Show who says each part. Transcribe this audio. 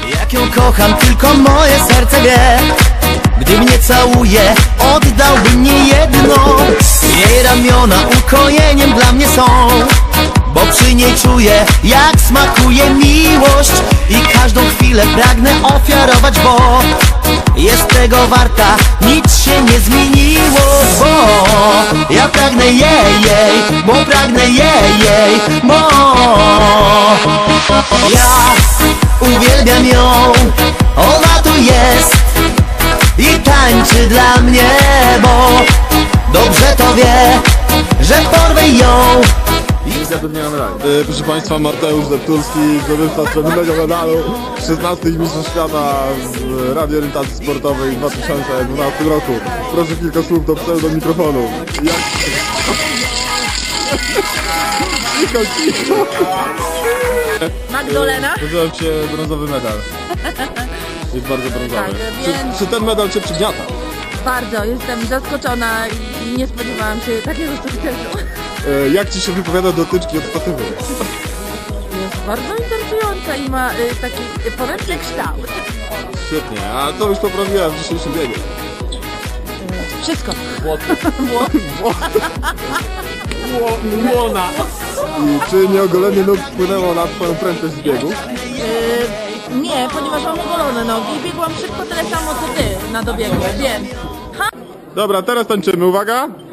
Speaker 1: Jak ją kocham, tylko moje serce wie. Gdy mnie całuje, oddałbym nie jedno. Jej ramiona ukojeniem dla mnie są, bo przy niej czuję, jak smakuje miłość. I każdą chwilę pragnę ofiarować, bo jest tego warta, nic się nie zmieniło. Bo ja pragnę jej, bo pragnę jej, bo ja uwielbiam ją, ona tu jest i tańczy dla mnie, bo dobrze to wie, że porwę ją.
Speaker 2: Proszę Państwa, Mateusz Deptulski, zdobywca srebrnego medalu w 16 Mistrzostw Świata w radioorientacji sportowej w 2012 roku. Proszę kilka słów do pseudo mikrofonu. Cicho.
Speaker 3: Magdalena?
Speaker 2: Nazywam się brązowy medal. Jest bardzo brązowy.
Speaker 3: Tak, więc...
Speaker 2: Czy ten medal Cię przygniata?
Speaker 3: Bardzo, jestem zaskoczona i nie spodziewałam się takiego sukcesu.
Speaker 2: Jak Ci się wypowiada dotyczki od statywy?
Speaker 3: Jest bardzo interesująca i ma taki poręczny kształt.
Speaker 2: Świetnie, a to już poprawiłem w dzisiejszym biegu.
Speaker 3: Wszystko.
Speaker 2: Łona. I czy nieogolenie nóg wpłynęło na Twoją prędkość z biegu?
Speaker 3: Nie, ponieważ mam ogolone nogi i biegłam szybko tyle samo co Ty na dobiegu, więc...
Speaker 2: Dobra, teraz tańczymy, uwaga!